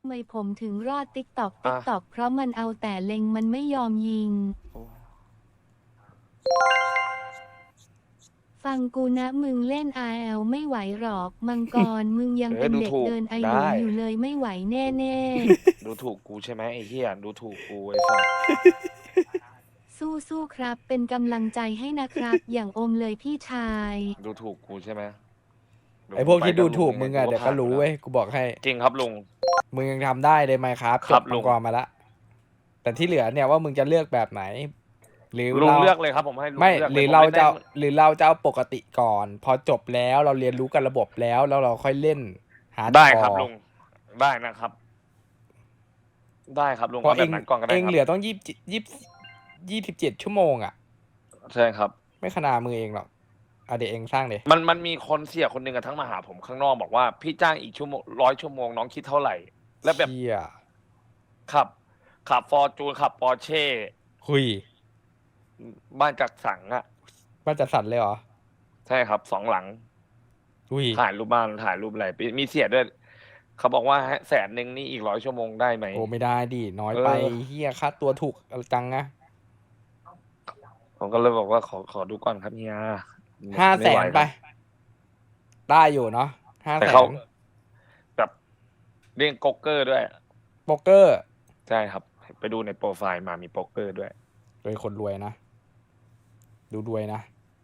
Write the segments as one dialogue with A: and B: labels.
A: ไมผมถึงรอดติ๊กตอก
B: อ่ะ
A: เพราะมันเอาแต่เล็งมันไม่ยอมยิง
B: โอ้
A: ฟังกูนะมึงเล่น RL ไม่ไหวหรอกมังกรมึงยังเป็น
B: ดูถูก
A: เด็กเดินไอหลุ
B: ได้
A: ยอยู่เลยไม่ไหวแน่
B: ดูถูกกูใช่ไหมไอ้เหี้ยดูถูกกูไอ้สัส
A: ๆสู้ๆครับเป็นกำลังใจให้นะครับ อย่างอมเลยพี่ชาย
B: ดูถูกกูใช่ไหมเดี๋ยว
C: ไอพวกที่ดู
B: กูไปกับลุง
C: ถูกมึงอะ
B: ยังไงกูก็
C: เดี๋ยวก็รู้
B: ผ่านอยู่แล้ว
C: เว้ยกูบอกให้
B: จริงครับลุง
C: มึงยังทำได้เลยไหมครับจบมั
B: ครับลุง
C: งกรมาละแต่ที่เหลือเนี่ยว่ามึงจะเลือกแบบไหนหรือ
B: ลุง
C: เรา
B: เลือกเลยครับผมให้ลุง
C: ไม่
B: เลือก
C: ห
B: เลยผมเล่นได้
C: หรือเราจะเอาปกติก่อนพอจบแล้วเราเรียนรู้กันระบบแล้วเราค่อยเล่นฮาร์ด
B: ได้
C: คอร์
B: ครับลุงได้นะครับได้ครับลุง
C: เพราะ
B: เอาแบบนั้นก่อนก็ได้ครับ
C: เองเหลือต้อง27 ชั่วโมงอะ
B: ใช่ครับ
C: ไม่ขนาดมือเองหรอกอ่ะเดี๋ยวเองสร้างเดี๋ย
B: มันมีคนเสียคนหนึ่งอะทั้งมาหาผมข้างนอกบอกว่าพี่จ้างอีกชั่วโมง100 ชั่วโมงน้องคิดเท่าไหร่แล้วแบบ
C: เชี่ย
B: ขับฟอร์จูนขับปอร์เช่
C: หุย
B: บ้านจัดสรรอะ
C: บ้านจัดสรรเลยเหรอ
B: ใช่ครับ2 หลัง
C: อุ้ย
B: ถ่ายรูปบ้านถ่ายรูปอะไรมีเสียด้วยเขาบอกว่า100,000นี่อีก100 ชั่วโมงได้ไหม
C: โอ้ไม่ได้ดิน้อย
B: เอ
C: ไป
B: อ
C: เฮียค่าตัวถูกจังนะ
B: ผมก็เลยบอกว่าขอดูก่อนครับเฮีย
C: ห้าแส
B: ไม่ไหว
C: นไป
B: ครับ
C: ได้อยู่เนาะห้า
B: แต่เขา
C: แสน
B: แบบเล่นโป๊กเกอร์ด้วย
C: โป๊กเกอร์
B: ใช่ครับไปดูในโปรไฟล์มามีโป๊กเกอร์ด้วย
C: เป็นคนรวยนะดูรวยนะ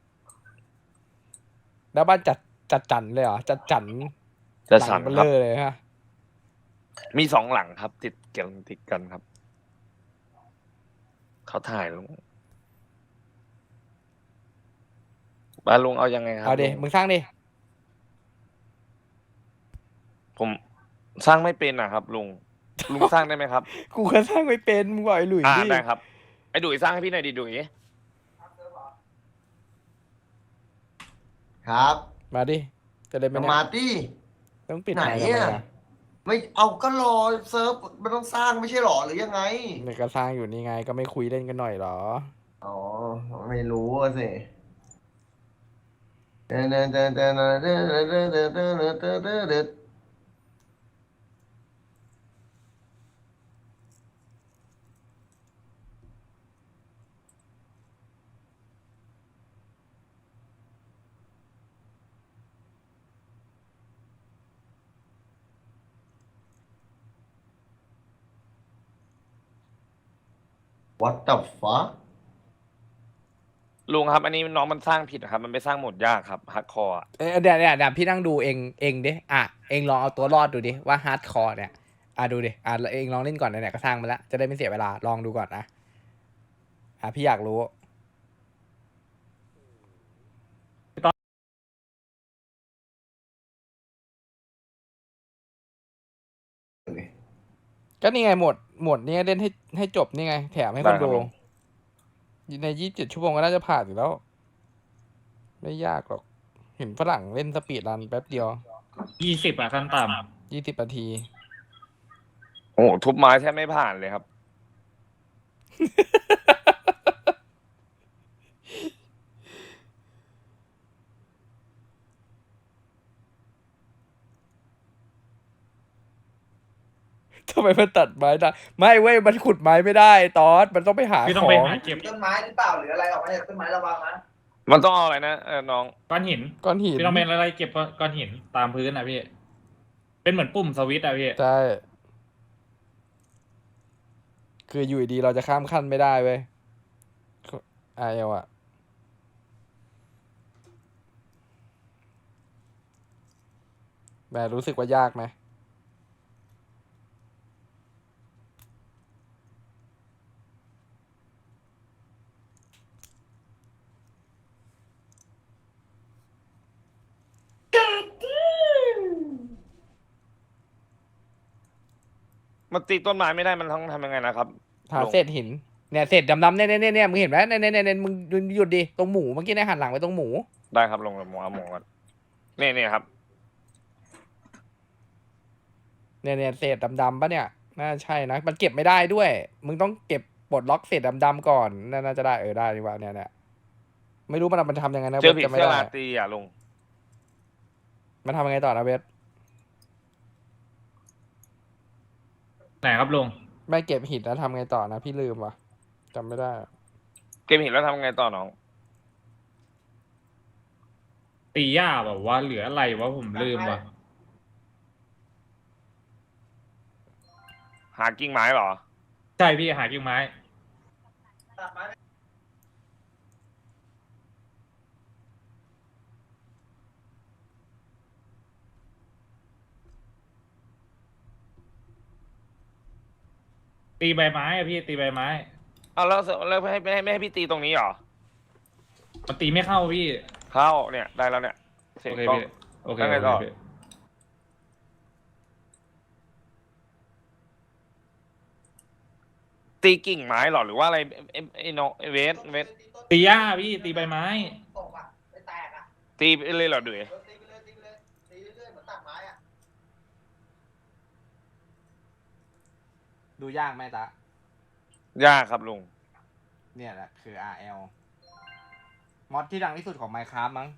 C: แล้วบ้านจัดจันเลยเหรอจัดจัน
B: จะ
C: หลังเบล
B: สั่งครับ
C: เลอร์เลยฮะ
B: มี2 หลังครับติดกันครับเขาถ่ายลงบ้านลุงเอายังไงครั
C: เอาดิ
B: บลุง
C: มึงสร้างดิ
B: ผมสร้างไม่เป็นนะครับลุงสร้างได้ไหมครับ
C: กูก็สร้างไม่เป็นมึงบอกไอ้หลุยดิ
B: ได้ครับไอ้ดุยสร้างให้พี่หน่อยดิดุย
D: ครับ
C: มาดิจะได้ไหมเนี่ย
D: สมาร์ตี้
C: ต้องปิด
D: ไหน
C: ไมค์ทำไม
D: อ่ะ
C: อ่ะ
D: ไม่เอาก็รอเซิร์ฟมันต้องสร้างไม่ใช่หรอหรือยังไง
C: เนี่ยก็สร้างอยู่นี่ไงก็ไม่คุยเล่นกันหน่อยเหรอ
D: อ๋อไม่รู้อะสิ What the fuck
B: ลุงครับอันนี้น้องมันสร้างผิดนะครับมันไม่สร้างโหมดยากครับฮาร์ดคอร์
C: เดี๋ยวพี่นั่งดูเองดิอ่ะเองลองเอาตัวรอดดูดิว่าฮาร์ดคอร์เนี่ยอ่ะดูดิอ่ะเองลองเล่นก่อนเนี่ยก็สร้างมาแล้วจะได้ไม่เสียเวลาลองดูก่อนนะอ่ะพี่อยากรู้ ก็นี่ไงหมดนี่เล่นให้จบนี่ไงแถมให้คนดูใน27 ชั่วโมงก็น่าจะผ่านอยู่แล้วไม่ยากหรอกเห็นฝรั่งเล่นสปีดรันแป๊บเดียว
E: 20อ่ะขั้นต่
C: 20 นาที
B: โอ้โหทุบไม้แทบไม่ผ่านเลยครับ
C: ทำไมมันตัดไม้ได้ไม่เว้ยมันขุดไม้ไม่ได้ตอสมันต้องไปหา
E: ำพี่
C: ข
E: ต้องไป
C: อง
E: หาเก็บ
D: ต้นไม้หรือเปล่าหรืออะไรออกมาจากต้นไม้ระวังนะ
B: มันต้องเอาอะไรนะน้อง
E: ก้อนหิน
C: ก้อนหิน
E: พี่ต้องเป็นอะไรเก็บก้อนหินตามพื้นนะพี่ เป็นเหมือนปุ่มสวิตช์อะพี่
C: ใช่คืออยู่ดีเราจะข้ามขั้นไม่ได้เว้ยไอเอลอะแบบรู้สึกว่ายากไหม
B: มันตีต้นไม้ไม่ได้มันต้องทำยังไงนะครับ
C: หา
B: ลุง
C: เศษหินเนี่ยเศษดำๆเนี่ยมึงเห็นไหมเนี่ยมึงหยุดดิตรงหมูเมื่อกี้เนี่ยหันหลังไปตรงหมู
B: ได้ครับลงหมเอาหมก่อนนี่ครับ
C: เนี่ยเศษดำๆปะเนี่ยน่าใช่นะมันเก็บไม่ได้ด้วยมึงต้องเก็บปลดล็อกเศษดำๆก่อนน่าจะได้ได้ดีกว่าเนี่ยไม่รู้มันทำยังไงนะ
B: เจอผี
C: เวทจะไม่ได้
B: เสื้อราตรีอ่ะลุง
C: มันทำยังไงต่อนะเวท
E: ไหนครับลุง
C: ไม่เก็บหินแล้วทำไงต่อนะพี่ลืมว่ะจำไม่ได้
B: เกมหินแล้วทำไงต่อน้อง
E: ตีหญ้าแบบว่าเหลืออะไรวะผมลืมว่ะ
B: หากิ่งไม้เหรอ
E: ใช่พี่หากิ่งไม้
D: ตัดไม้
E: ตีใบไม้อะพี่ตีใบไม้
B: เอาแล้วไม่ให้พี่ตีตรงนี้เหรอ
E: มันตีไม่เข้าพี่
B: เข้าเนี่ยได้แล้วเนี่ยเสีย
E: โอง เค
B: กล้อง
E: พี่โอเค
B: แล้วไง
E: โอเค
B: ต่อ
E: พี่
B: ตีกิ่งไม้เหรอหรือว่าอะไรไอ้น้องเวส
E: ตีหญ้าพี่ตีใบไม้
D: ตกอ่ะไม่แตกอ่ะ
B: ตีไปเลยเหรอดุย
D: ตีไปเลยตีไปเลยตีเรื่อยๆเหมือนตัดไม้อ่ะ
C: ดูยากไหมตะ
B: ยากครับลุง
C: เนี่ยแหละคือ RL มอดที่ดังที่สุดของ Minecraft มั้ง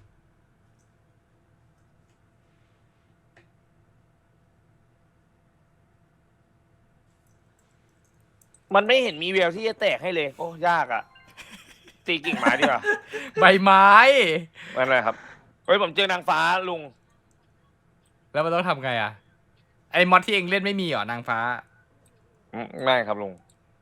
B: มันไม่เห็นมีแววที่จะแตกให้เลยโอ้ยากอ่ะ ตีกิ่งไม้ดีกว่า
C: ใบไม้
B: ไม่เป็นไรครับเฮ้ยผมเจอนางฟ้าลุง
C: แล้วมันต้องทำไงอ่ะ ไอ้มอดที่เองเล่นไม่มีเหรอนางฟ้า
B: ไม่ครับลุง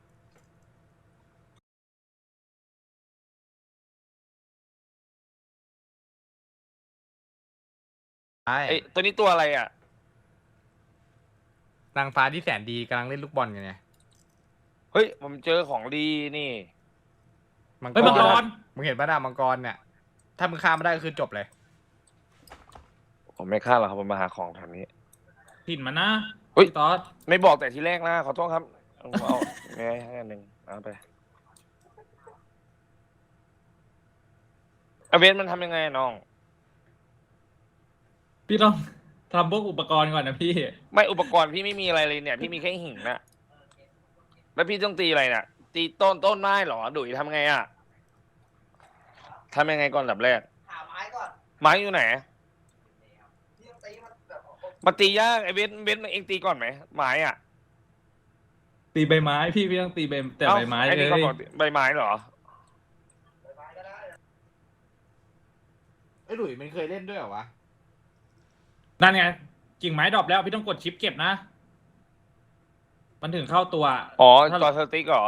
C: ใช่
B: ไอ้ตัวนี้ตัวอะไรอ่ะ
C: นางฟ้าที่แสนดีกำลังเล่นลูกบอลกันไง
B: เฮ้ยผมเจอของดีนี่
E: เฮ้ยมังกร
C: มึงเห็นป่ะดามังกรเนี่ย ถ้ามึงฆ่าไม่ได้ก็คือจบเลย
B: ผมไม่ฆ่าหรอกครับผมมาหาของแถวนี้
E: ถิ่นมันนะ
B: เฮ้ย
E: พี่ตอด
B: ไม่บอกแต่ทีแรกนะขอโทษครับเอาไม่ให้อันหนึ่งเอาไปเอาเวนมันทำยังไงอะน้อง
E: พี่ต้องทำพวกอุปกรณ์ก่อนนะพี่
B: ไม่อุปกรณ์พี่ไม่มีอะไรเลยเนี่ย พี่มีแค่หินนะแล้วพี่ต้องตีอะไรเนี่ยตีต้นไม้เหรอดุยทำไงอ่ะทำยังไงก่อนอันดับแรก
D: หาไม้ก่อน
B: ไม้อยู่ไหน
D: ที่ต้องตีมันแบบ
B: มาตียากไอ้เวนเองตีก่อนไหมไม้อ่ะ
E: ตีใบไม้พี่ต้องตีแต่
B: เอ้า
E: ใบไม้
B: ไอ้
E: เล
B: นี่
E: ย
B: เขาบอกใบไม้เหรอ
D: ไม้ก็ได้
C: ไอ้หลุยมันเคยเล่นด้วยเหรอวะ
E: นั่นไงกิ่งไม้ดรอปแล้วพี่ต้องกดชิปเก็บนะ มันถึงเข้าตัว
B: อ๋อ
E: ถ้า
B: ตัวสติ๊กเหรอ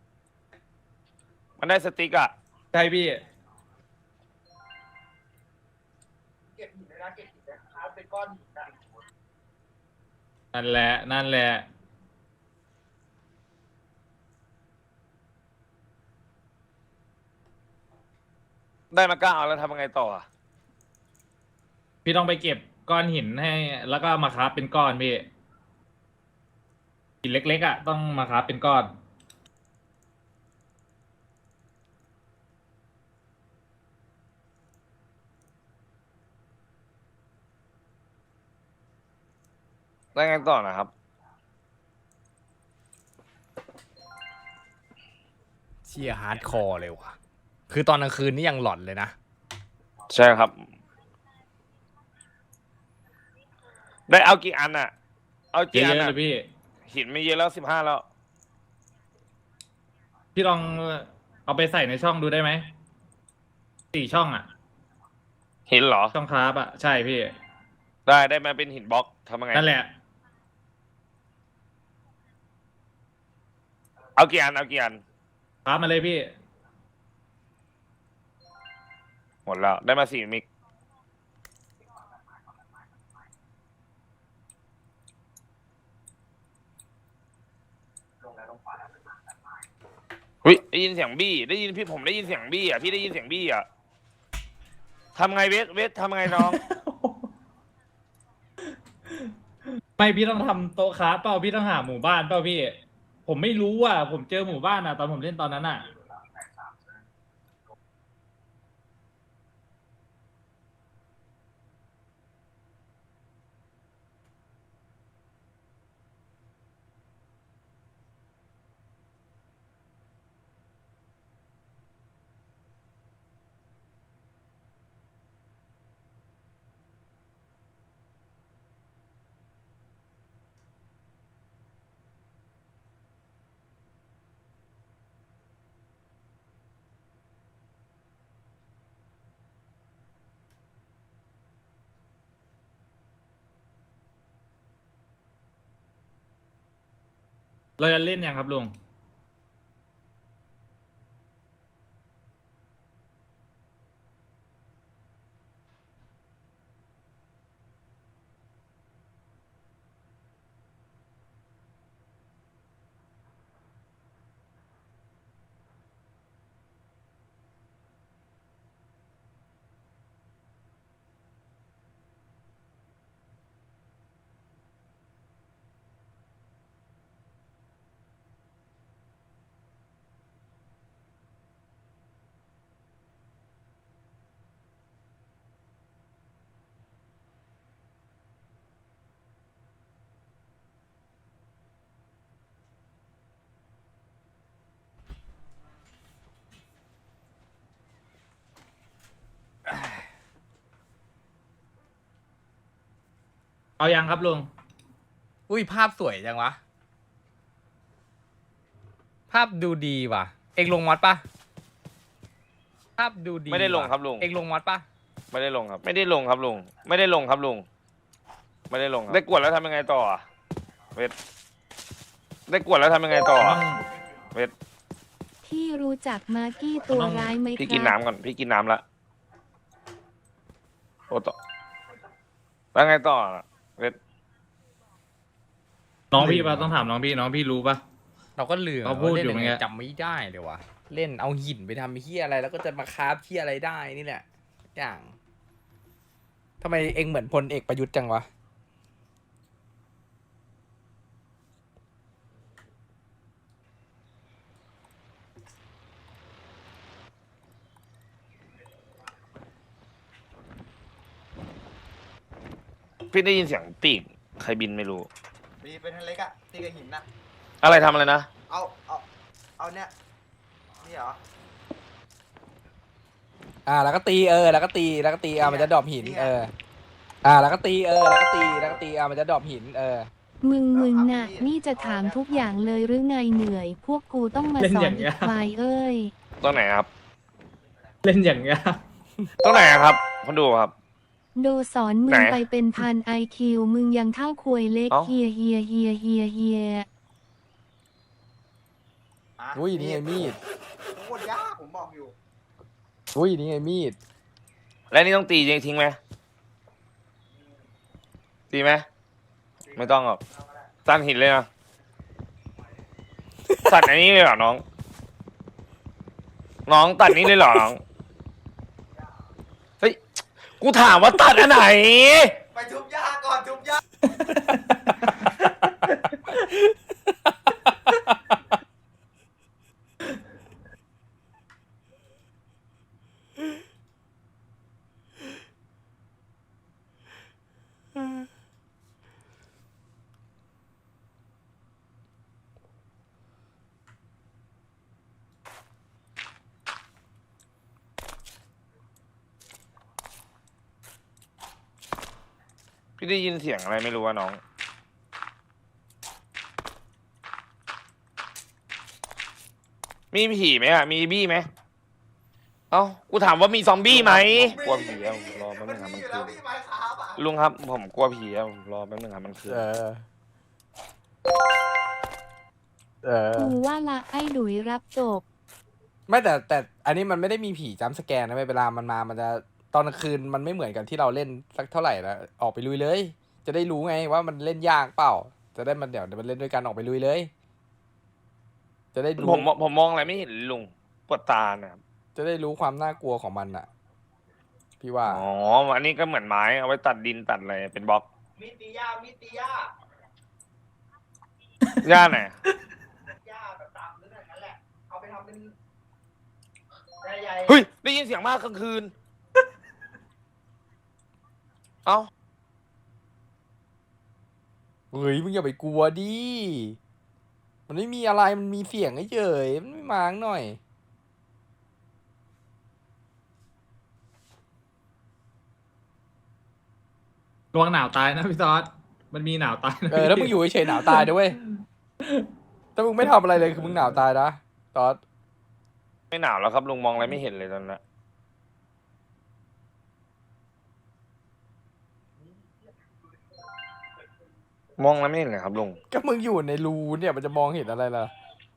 B: มันได้สติ๊กอ่ะ
E: ใช่พี่
D: เก็บหินเลยนะเก็บหินนะเอาเป็นก้อนหินนะ
E: นั่นแหละนั่นแหละ
B: ได้มา9แล้วทำยังไงต่ออ่ะ
E: พี่ต้องไปเก็บก้อนหินให้ แล้วก็มาคราฟเป็นก้อนพี่หินเล็กๆอ่ะต้องมาคราฟเป็นก้อน
B: ได้ไงต่อนะครับ
C: เชียฮาร์ดคอร์เลยว่ะ คือตอนกลางคืนนี่ยังหลอนเลยนะ
B: ใช่ครับ ได้เอากี่อันอ่ะ เอา
E: เย
B: กี่อัน
E: อะๆ
B: อ่ะ
E: เลยพี่
B: หินไม่เยอะแล้ว15แล้ว
E: พี่ลองเอาไปใส่ในช่องดูได้ไหม4 ช่องอ่ะ
B: หินเหรอ
E: ช่องคราฟอ่ะใช่พี่
B: ได้มาเป็นหินบล็อกทำยังไง
E: นั่นแหละ
B: เอากี่อัน
E: คราฟมาเลยพี่
B: หมดแล้ว ได้มา4 มิกหุ้ยได้ยินเสียงบี้ ได้ยินพี่ผมได้ยินเสียงบี้อ่ะ พี่ได้ยินเสียงบี้อ่ะทำไงเวททำไงน้อง
E: ไม่พี่ต้องทำโต๊ะคราฟเปล่าพี่ต้องหาหมู่บ้านเปล่าพี่ ผมไม่รู้อ่ะผมเจอหมู่บ้านอ่ะตอนผมเล่นตอนนั้นอ่ะเราจะเล่นยังครับลุง เอายังครับลุง
C: อุ้ยภาพสวยจังวะ ภาพดูดีว่ะ เองลงมอดปะภาพดูดี
B: ไม่ได้ลง
C: ว่ะ
B: ครับลุง
C: เองลงมอดปะ
B: ไม่ได้ลงครับ ไม่ได้ลงครับลุงไม่ได้ลงครับลุงไม่ได้ลงครับได้กดแล้วทำยังไงต่ออะเวทได้กดแล้วทำยังไงต่ออะเวท
A: ที่รู้จักมาร์กี้ตัวร้ายไหมค
B: พี่กิน
A: รับ
B: น้ำก่อนพี่กินน้ำละโอ้ต่อแล้วไงต่ออะเวท
E: น้องพี่ปะต้องถามน้องพี่รู้ปะ
C: เราก็ลืม
E: เขาพูด
C: ล่น
E: อยู่
C: งไง
E: เมื่อกี้
C: จำไม่ได้เลยวะเล่นเอาหินไปทำเฮียอะไร แล้วก็จะมาคราฟเฮียอะไรได้นี่แหละอย่างทำไมเองเหมือนพลเอกประยุทธ์จังวะ
B: พี่ได้ยินเสียงปีกใครบินไม่รู้
D: มีเป็นทันเล็กอะตีกับหินนะ
B: อะไรทำอะไรนะ
D: เอาเนี่ยนี่เหรอ
C: แล้วก็ตีแล้วก็ตีมันจะดรอปหิน
D: นี่ไง
C: แล้วก็ตีแล้วก็ตีมันจะดรอปหิน
A: มึงน่ะ นี่จะถามทุกอย่างเลยหรือไงเหนื่อย พวกกูต้องมาสอนอีกควายเอ้ย
B: ตรงไหนครับ
E: เล่นอย่างเงี้ย
B: ตรงไหนครับคนดูครับ
A: โดสอนมึ
B: ไห
A: ง
B: น
A: ไปเป็นพันไอคิวมึงยังเท่าควยเล็ก
B: เอ้า
A: เฮีย
C: อุ้ยนี่ไงมีด
D: โคตรยากผมบอกอยู่
C: อุ้ยนี่ไงมีด
B: แล้วนี่ต้องตีจริงทิ้งไหมตีไหมไม่ต้องหรอกตันหินเลยนะตัดอันนี้เลยเหรอน้อง น้องตัดนี้เลยเหรอน้องเฮ้ยกูถามว่าตัดอันไหน
D: ไปทุบยาก่อนทุบยา
B: พี่ได้ยินเสียงอะไรไม่รู้ว่าน้อง มีผีไหมอ่ะ มีบี้ไหม เอ้า กูถามว่ามีซอมบี้ไหมกลัวผีอะผมรอแป๊บนึงครับมัน
D: อยู่
B: คื
D: แล้ว
B: น
D: พี่ไม้ครับอะ
B: ลุงครับ ผมกลัวผีอะผมรอแป๊บนึงครับมันคืน
A: กูว่าละไอ้ดุยรับจบ
C: ไม่แต่อันนี้มันไม่ได้มีผีจัมป์สแกนนะเวลามันมามันจะตอนกลางคืนมันไม่เหมือนกันที่เราเล่นสักเท่าไหร่นะออกไปลุยเลย จะได้รู้ไงว่ามันเล่นยากเปล่า จะได้มันเดี๋ยวมันเล่นด้วยกันออกไปลุยเลย จะได้รู้
B: ผมมองอะไรไม่เห็นลุงปวดตาเนี่ยครับ
C: จะได้รู้ความน่ากลัวของมันอ่ะ พี่ว่า
B: อ๋อ อันนี้ก็เหมือนไม้เอาไว้ตัดดินตัดอะไรเป็นบล็อก
D: มีตียามีตียา
B: ย่าไหน
D: ยาแบบตามนึกอย่างนั้นแหละ เอาไปทำเป็นใหญ่
B: เฮ้ย ได้ยินเสียงมากกลางคืน เอ้า
C: เฮ้ยมึงอย่าไปกลัวดิ มันไม่มีอะไรมันมีเสียงเฉยๆมันไม่มาหน่อย
E: ระวังหนาวตายนะพี่ซอสมันมีหนาวตายนะ
C: แล้วมึงอยู่เฉยๆหนาวตายด้วยเวยถ้ามึงไม่ทำอะไรเลยคือมึงหนาวตายนะตอด
B: ไม่หนาวแล้วครับลุงมองอะไรไม่เห็นเลยตอนนั้นมองแล้วไม่เห็นเลยครับลุง
C: ก็มึงอยู่ในรูเนี่ยมันจะมองเห็นอะไรล่ะ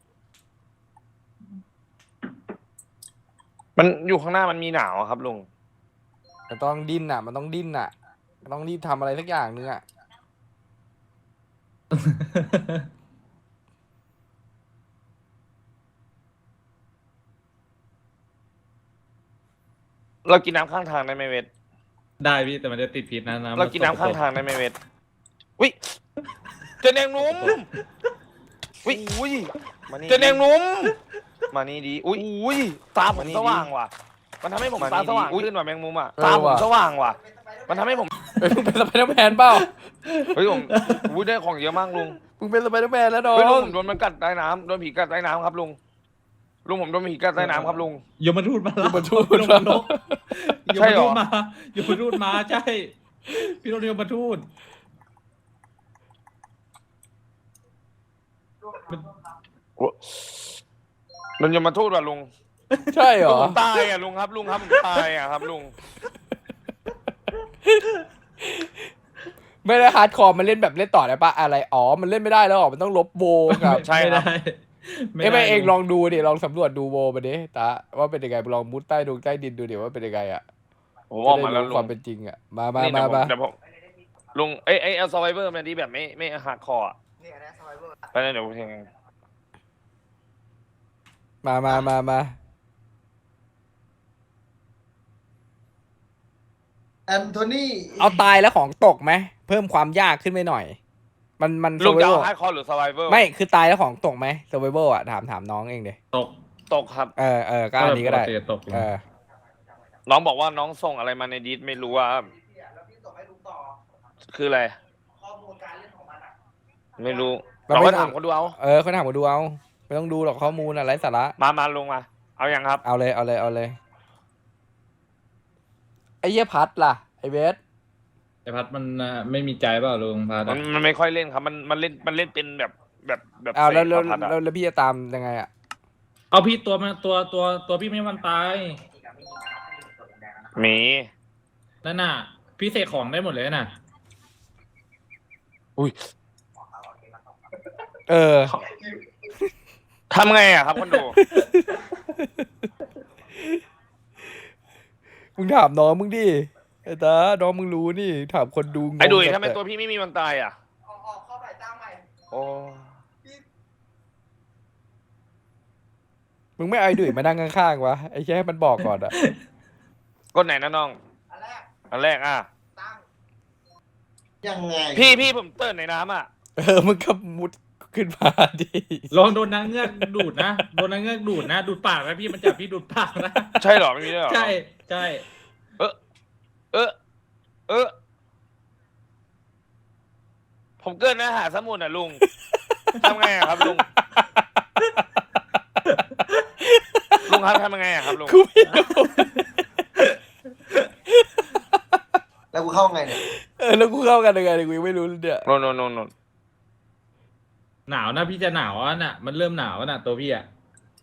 B: มันอยู่ข้างหน้ามันมีหนาวอะครับลุง
C: มันต้องดิ้นอ่ะ มันต้องดิ้นอ่ะมันต้องรีบทำอะไรสักอย่างนึงอ่ะ
B: เรากินน้ำข้างทางได้ไหมเวท
E: ได้พี่แต่มันจะติดพิษนะน้ำ
B: เรากินน้ำข้างทางได้ไหมเวทวิเจอแนงนุ่มวิอุ้ย
F: มานี่
B: เจอแนงนุ่ม
F: มานี่ดี
B: อุ้ยอุ้ยตาผมสว่างว่ะ มันทำให้ผมตาสว่างขึ้นว่ะแมงมุมอ่ะตาผมสว่างว่ะ มันทำให้ผม
C: เฮ้ยมึงเป็นสไปเดอร์แมนเปล่า
B: เฮ้ยผมอุ้ยได้ของเยอะมากลุง
C: มึงเป็นสไปเดอร์แมนแล้วน้อ
B: เฮ้ยลุง
C: ง
B: ผมโดนมันกัดใต้น้ำโดนผีกัดใต้น้ำครับลุงผมโดนผีกัดใต้น้ำครับลุง
E: ยมทูตมาแล้ว
C: ยมทูต
E: พี่โดนนก
B: ใช่เหรอ
E: ยมทูตมาใช่ พี่โดนยมทูต
B: มันยมมาทูตว่ะลุง
C: ใช่เหรอ
B: ผมตายอ่ะลุงครับผมตายอ่ะครับลุง
C: ไม่ได้ฮาร์ดคอร์มันเล่นแบบเล่นต่อได้ปะอะไรอ๋อมันเล่นไม่ได้แล้วเหรอมันต้องลบโวกับ
B: ใช่ครับ
C: เอ้ยไม่เองลองดูดิลองสำรวจดูโวมาดิตาว่าเป็นยังไงลองมุดใต้ดงใต้ดินดูดิว่าเป็นยังไงอ่ะ
B: ผมออกมาแล้ว
C: จะได้รู้
B: ลุ
C: ความ
B: ง
C: เป็นจริงอ่ะมา
B: นี่
C: มา
B: เดี๋ยวผมลุงเอ้ยเอาซอไวเวอร์มาดีแบบไม่ฮาร์ดคอร์อ่ะ
D: นี่อันนี้สไลเวอร์
B: ไปเลยเดี๋ยวผมเอง
C: มา
D: แอนโทนี
C: เอาตายแล้วของตกไหมเพิ่มความยากขึ้นไปหน่อย มัน
B: ลุงจะเอา
C: survival
B: ฮาร์ดคอร์หรือซอไวเวอร์
C: ไม่คือตายแล้วของตกไหม survival อ่ะถามน้องเองเด
B: ตกครับ
C: ก็อันนี้ก็ได้
E: ปติตก
B: น้องบอกว่าน้องส่งอะไรมาในดิสไม่รู้ว่า
D: แล้วพี่ส่งให้ลุงต่อ
B: คืออะไร
D: ข้อมูลการเล่นของมันอ่ะ
B: ไม่รู้
C: มัน
B: เรา
C: ไม่
B: ก็ถามเขาดูเอา
C: เขาถามมาดูเอาไม่ต้องดูหรอกข้อมูลอะไรสาระ
B: มาลุงมา เอายังครับ
C: เอาเลยไอ้เหี้ยพัดล่ะไอ้เบส
E: ไอพัดมันไม่มีใจเปล่าลุงพัด
B: มันไม่ค่อยเล่นครับ มันเล่นเป็นแบบ
C: เอาแล้ว
B: เสกพัดอะ
C: แล้วพี่จะตามยังไงอ่ะ
E: เอาพี่ตัวพี่ไม่มันตาย
B: หมี
E: นั่นน่ะ พี่เสกของได้หมดเลยน่ะ
B: ทำไงอะครับคนดู
C: มึงถามน้องมึงดิไอ้ตาน้องมึงรู้นี่ถามคนดูงง
B: ไอ้ดุย
C: กับ
B: ทำไมตัวพี่ไม่มีมันตายอะ
D: ออกเข้าไปตั้งใหม่
B: โอ้
C: มึงไม่เอาไอ้ดุยมานั่งข้างๆวะไอ้แค่ให้มันบอกก่อนอ่ะ
B: กดไหนนะน้อง
D: อันแรก
B: อ่ะ
D: ตั้งยังไง
B: พี่ผมเตือนในน้ำอะ
C: มึงก็มุดขึ้นมาดิ
E: ลองโดนนางเงือกดูดนะโดนนางเงือกดูดนะดูดปากนะพี่มันจับพี่ดูดปากนะ
B: ใช่เหรอไม่มีด้วยเหรอ
E: ใช่ใช่
B: ผมเกินนะหาสมุนอ่ะลุง ทำไงอะครับลุง ลุงครับทำยังไงอะครับลุง
C: กูไม่รู้
D: แล้วกูเข้าไงเนี่ย
C: แล้วกูเข้ากันยังไงเนี่ยกูยังไม่รู้เลยเนี่ย
B: โน
E: หนาวนะพี่จะหนาวอ่ะน่ะมันเริ่มหนาวน่ะตัวพี่อ่ะ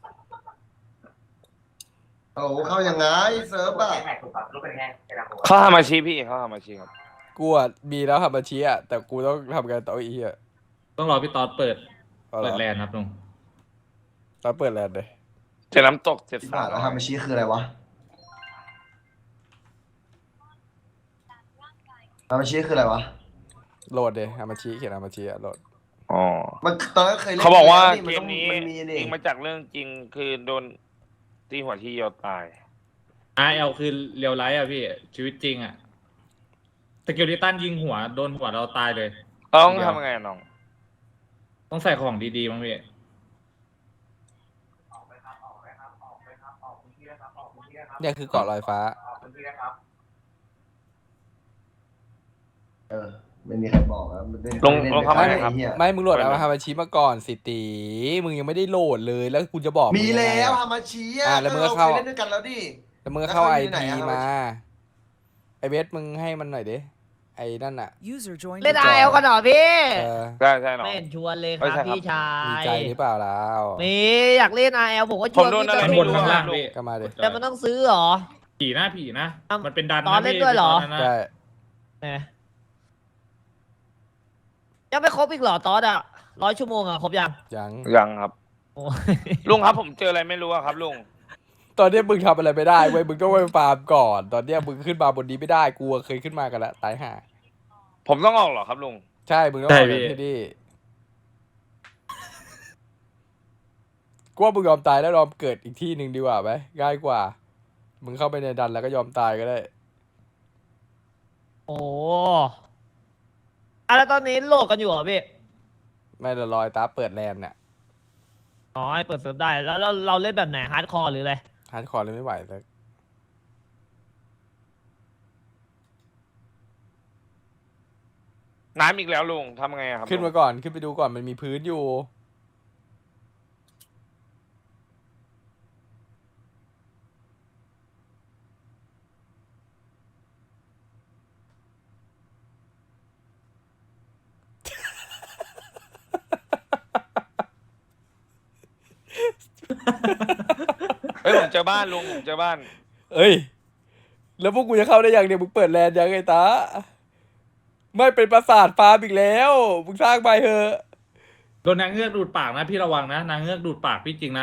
D: โอ้เข้ายังไงเซิร์ฟอ่ะ
B: เข้าหามาชีพี่เข้าหามาชีครับ
C: กูอ่ะมีแล้วทำบัญชีอ่ะแต่กูต้องทำกันต่ออีกอ่ะ
E: ต้องรอพี่ตอดเปิด
C: เอาเหร
E: เปิ
C: อ
E: ดแลนด์ครับลุง
C: ตอนเปิดแล้วเลย
B: เจ็ดน้ำตกเจ็ด
D: ที่
B: สา
D: ผ่าน
B: ม
D: แล้วทำมาชี้คืออะไรวะทำมาชี้คืออะไรวะ
C: โหลดเลยทำบัญชีเขียนทำบัญชีอ่ะโหลด
B: อ๋อ
D: มันตอนนั้นเคยเล่น
B: เขาบอกว่า
D: แล้ว
B: เกมนี้
D: มันมีนี่
B: จริงมาจากเรื่องจริงคือโดนตีหัวที่เดียวตาย
E: RL คือเรียวไลท์อ่ะพี่ชีวิตจริงอ่ะสกิลลิตันยิงหัวโดนหัวเราตายเลย
B: ต้องทำยังไงอะน้อง
E: ต้องใส่ของดีๆมั้งพี่
C: เนี่ยคือเกาะลอยฟ้า
D: ไม่มีใครบอกนะมันได้
B: ลง
D: เล่น
B: ลงเข้ามา
D: ใน
B: หน่อยครับ
D: ไอ้เหี้ย
C: ไม่มึงโหลดเอาทำบัญชีมาก่อนสิตีมึงยังไม่ได้โหลดเลยแล้วกูจะบอก
D: มี
C: งยังไง
D: แล้ว
C: อะ
D: ทำมาชี้
C: แล้วมึงก็
D: เรา
C: เข้า
D: เคยเล่นด้วยกันแล้วดิ
C: แล้วมึงก็เข้า
D: แล้ว
C: ไอ
D: เขาอยู่ไหน
C: พี
D: อะ
C: มาไอเบสมึงให้มันหน่อยดิไอ้นั่นอ่ะ
G: User joined
H: เล่น
G: your
H: ไอ
G: channel.
H: เอลกันเหรอพี่
C: เออ
B: ใช่น้อง
H: ไม่เห็นชวนเลยค
B: ไม่
H: รับ
B: ใช่ครับ
H: พี่ชา
C: มี
H: ย
C: ใจหรือเปล่าแล้ว
H: มีอยากเล่นไอเอลผมก็ช
B: ผม
H: วน
B: โดน
H: พี่
B: อะไร
H: ก็
E: ข้าง
B: ไม่
E: บน
B: รู้
E: ข้าง
B: อะ
E: ล่างพี่
C: ก็มาดิ
H: แต่มันต้องซื้อเหรอ
E: ผีนะ
H: อ้าว
E: มันเป็นดัน
H: ตอนเล่นด้วยเหรอ
E: พี่
C: ใช่
H: แหมยังไม่ครบอีกเหรอตอสอ่ะ100 ชั่วโมงอ่ะครบยัง
C: ยัง
B: ยังครับ
H: โอ้
B: ลุงครับผมเจออะไรไม่รู้อะครับลุง
C: ตอนเนี้ยมึงทำอะไรไม่ได้เว้ยมึงต้องไปฟาร์มก่อน ตอนเนี้ยมึงขึ้นมาบนนี้ไม่ได้กูเคยขึ้นมากันแล้วตายห่า
B: ผมต้องออกเหรอครับลุง
C: ใช่มึงต้องออกจากที่นี่กูว่ามึงยอมตายแล้วยอมเกิดอีกที่หนึ่งดีกว่าไหมง่ายกว่า มึงเข้าไปในดันแล้วก็ยอมตายก็ได้
H: โหอ่ะแล้วตอนนี้โหลดกันอยู่เหรอพี่
C: ไม่ละลอยตาเปิดแลนด์เนี่ย
H: อ๋อให้เปิดเซิร์ฟได้แล้วเราเล่นแบบไหนฮาร์ดคอร์หรืออะไร
C: ฮาร์ดคอร์เลยไม่ไหวเลย
B: น้ำอีกแล้วลุงทำไงอะครับ
C: ขึ้นมาก่อนขึ้นไปดูก่อนมันมีพื้นอยู่
B: เฮ้ยผมเจอบ้านลุงผมเจอบ้าน
C: เอ้ย แล้วพวกกูจะเข้าได้ยังเนี่ยมึงเปิดแลนด์ยังไงตาไม่เป็นปราสาทฟาร์มอีกแล้วมึงสร้างไปเถอะ
E: โดนนางเงือกดูดปากนะพี่ระวังนะนางเงือกดูดปากพี่จริงนะ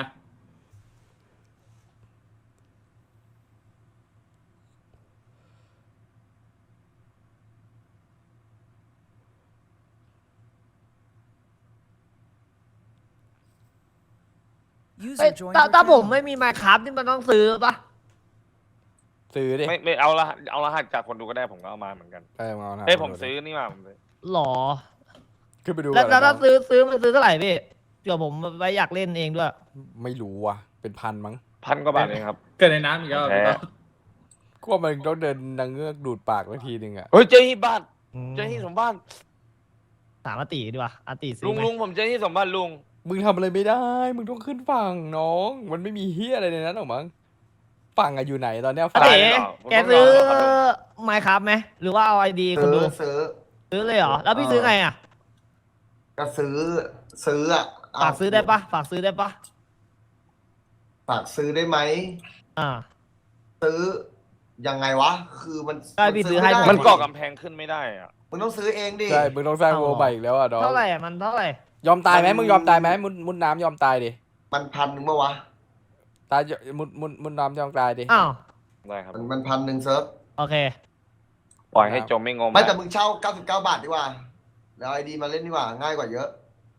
H: เฮ้ยถ้าผมไม่มีไมค์ครับนี่มันต้องซื้อปะ
C: ซื้อดิ
B: ไม่เอารหัสจากคนดูก็ได้ผมก็เอามาเหมือนกัน
C: เอานะ
B: เฮ้ยผมซื้อนี่มาผมซื้อ
H: หรอ
C: ขึ้นไปดู
H: แล้ว
C: ก่อน
H: ถ้า
C: นะ
H: ซื้อมันซื้อเท่าไหร่พี่เดี๋ยวผมไว้อยากเล่นเองด้วย
C: ไม่รู้ว่ะ เป็นพันมั้ง
B: 1,000 กว่าบาทเองครับ
E: เกิดในน้ำอีกแล้ว
B: แพ้
C: กูว่ามันต้องเดินนางเงือกดูดปากบางทีหนึ่งอะ
B: เฮ้ยเจอที่บ้านเจอที่สมบัติ
H: ถามอาติดีกว่าอาติซื้
B: ลุ
H: อง ไหม
B: ลุงผมเจอที่สมบัติลุง
C: มึงทำอะไรไม่ได้ มึงต้องขึ้นฝั่งน้อง มันไม่มีเฮียอะไรในนั้นหรอกมั้งฝั่งอะอยู่ไหนตอนเนี้ย
H: อา
C: ฝั่ง
H: ติ
B: ได้เหรอผม
H: แก
B: ต้อง
H: ซื้อ
B: รอครับ
H: ไมค์ครับไหมหรือว่าเอาไอดีคนดู
D: ซื้อ
H: ซื้อเลยเหรอแล้วพี่ซื้อไงอ่ะ
D: ก็ซื้ออ่ะ
H: ฝากซื้อได้ปะฝากซื้อได้ปะ
D: ฝากซื้อได้ไหม
H: อ่า
D: ซื้อยังไงวะ คือมัน
H: ได้พี่ซื้อให้
D: ไได้
B: มันก่อกำแพงขึ้นไม่ได้อะ
D: มึงต้องซื้อเองดิ
C: ใช่ มึงต้องสร้าง
H: เอา
C: โวใหม่อีกแล้วอ่ะน้อง
H: เท่าไหร่อะมันเท่าไหร่
C: ยอมตายไหมมึงยอมตายไหมมุดน้ำยอมตายดิ
D: มัน1,000เมื่อวะ
C: ตายมุดน้ำยอมตายดิ
H: อ้าว
B: ได้ครับ
D: มัน1,000เซิร์ฟ
H: โอเค
B: ปล่อยให้จมไม่งม
D: ไม่แต่มึงเช่า99 บาทดีกว่าแล้วไอดีมาเล่นดีกว่าง่ายกว่าเยอะ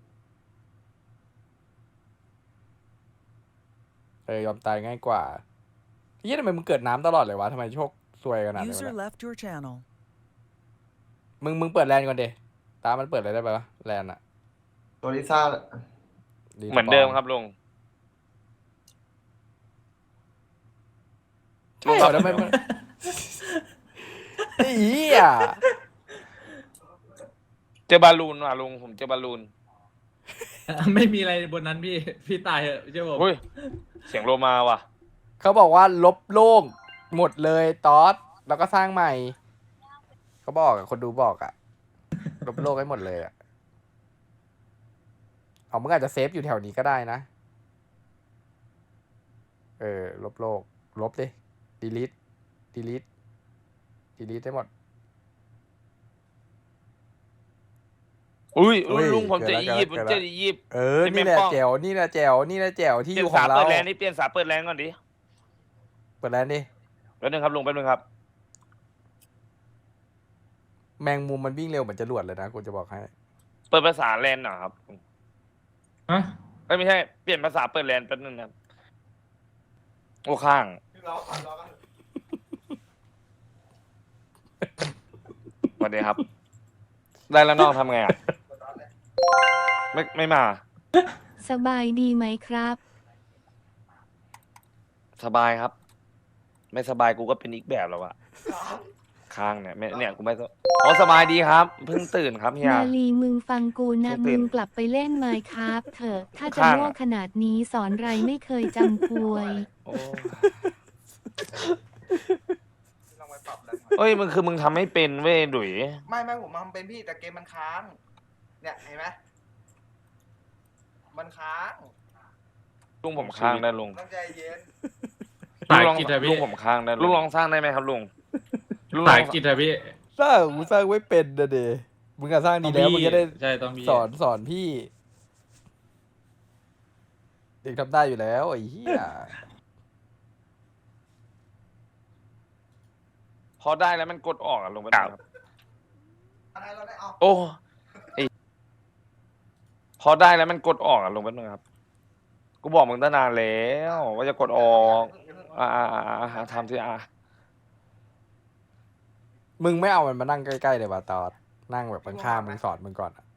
C: ยอมตายง่ายกว่าเฮียทำไมมึงเกิดน้ำตลอดเลยวะทำไมโชคซวยขนาดนั้น
F: User
C: วะ
F: left your channel.
C: มึงเปิดแลนด์ก่อนดิตามันเปิดอะไรได้ปะแลนด์อะ
D: ตัวลิซ่า
B: เหมือนเดิมครับลุง
C: ใช่เหรอทำไมมันไอ้เหี้ย
B: เจอบอลลูนว่ะลุงผมเจอบอลลูน
E: ไม่มีอะไรบนนั้นพี่ตายเหอะเชื่อผม
B: เฮ้ยเสียงโลมาว่ะ
C: เขาบอกว่าลบโล่งหมดเลยตอสแล้วก็สร้างใหม่ เขาบอกอะคนดูบอกอะลบโลกให้หมดเลยอะเอามึงอาจจะเซฟอยู่แถวนี้ก็ได้นะ ลบโลก ลบดิ delete ได้หมด
B: อุ้ย
C: อุ้ย
B: ลุงผมเจอ
C: เกิดแล้ว
B: อียิปต์ผม
C: เกิด
B: เจ
C: แล้ว
B: ออียิปต์ ที่
C: นี่แหละ
B: แม่งป้อง
C: แจ๋วนี่แหละแจ๋วนี่แหละแจ๋วที่
B: เป
C: อ
B: ลี่ย
C: ยู่
B: น
C: ขอ
B: สาง
C: เรา
B: เปิดแลนด์นี่เปลี่ยนสาเปิดแลนด์ก่อนดิ
C: เปิดแลนด์ดิ
B: แป๊บนึงครับลุงแป๊บนึงครับ
C: แมงมุมมันวิ่งเร็วเหมือนจรวดเลยนะกูจะบอกให้
B: เปิดภาษาแลนด์หน่อยครับ
E: ฮะ
B: ไม่ใช่เปลี่ยนภาษาเปิดแลนด์แป๊บนึงนะครับโอ้ข้างสวัสดีครับ ได้แล้วน้องทำไงอ่ะไม่มา
A: สบายดีไหมครับ
B: สบายครับ ไม่สบายกูก็เป็นอีกแบบแล้วอะข้างเนี่ยไม่เนี่ยกูไม่อ๋อสบายดีครับเพิ่งตื่นครับเฮีย
A: นาลีมึงฟังกูนะ
B: ตื่
A: มึ
B: น
A: งกลับไปเล่นไมค์ครับเถอะ ถ้าจะ
B: ข้างอะ
A: โง่ขนาดนี้สอนไรไม่เคยจำควย
B: โอ้เอ้ยมึงคือมึงทำให้เป็นเว้ยดุย
D: ไม่ผมทำเป็นพี่แต่เกมมันค้าง เนี่ยเห็นไหมมันค้าง
B: ลุงผมค้างได้ลุง
D: ต้องใจเย็น
E: สาย
B: ลอง
E: กิจอะพี่
B: ลุงผมค้างได้ลุงลองสร้างได้ไหมครับลุงลุงล
E: สา
B: อย ง
E: กิจอะพี่
C: สร้างกูสร้างไว้เป็นนะเดมึงก็สร้างดีแล้วมึงจะได้
E: ใช่ต้องพี่
C: สอนพี่ เด็กทำได้อยู่แล้วไอ้เหี้ย
B: พอได้แล้วมันกดออกอะลงไปครับ
D: อะไรเราได้เอา
B: โอ้ไอพอได้แล้วมันกดออกอะลงไปครับ กูบอกมึงตั้งนานแล้วว่าจะกดออกทำที่
C: มึงไม่เอามันมานั่งใกล้ๆเลยว่ะตอดนั่งแบบข้างๆมึงสอนมึงก่อนอะ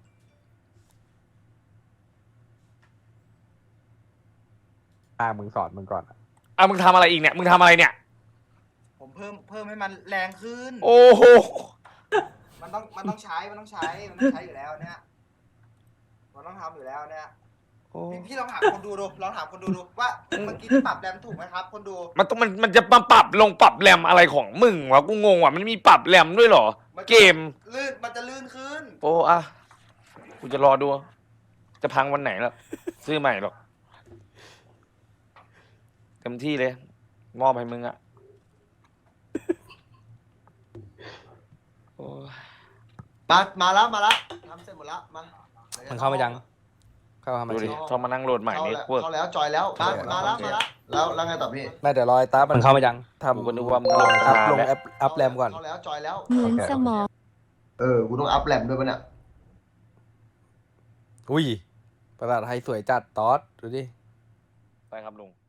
C: ข้างมึงสอนมึงก่อนอะ
B: มึงทำอะไรอีกเนี่ยมึงทำอะไรเนี่ย
D: ผมเพิ่มให้มันแรงขึ้น
B: โอ้โห
D: มันต้องใช้อยู่แล้วเนี่ยมันต้องทำอยู่แล้วเนี่ยพี่ลองถามคนดูว่าเมื่อกี้ปรับแรมถูกไหมครับ คนดู
B: มันจะมาปรับลงปรับแรมอะไรของมึงวะกูงงว่ะมันมีปรับแรมด้วยเหรอ เกม
D: มันจะลื่นขึ้น
B: โอ้กูจะรอดู จะพังวันไหนแล้วซื้อใหม่หรอกเต็มที่เลย มอบให้มึงอะโอ้ย
D: มาแล้วทำเสร็จหมดแล้วมา
C: มันเข้ามายังเข้ามา
B: ดูดิ
C: สิ
B: ต้องมานั่งโหลดใหม่นี่เวิร์ก
D: เข้าแล้วจอยแล้วมาแล้วแล้วไงต่อพี่
C: ไม่เดี๋ยวรอไอ้ตามันเข้ามายังทำ
B: กูก็นึกว่ามึงโหลด
C: อัพ
B: นาน
C: ลง
B: แล้ว
C: อัพแรมก่อน
D: เข้าแล้วจอยแล้ว
A: เหมือน
C: โอเค
A: สมอง
D: กูต้องอัพแรมด้วยปะเนี่ย
C: อุ้ยประหลาดไทยสวยจัดตอดดูดิ
B: ไปครับลุง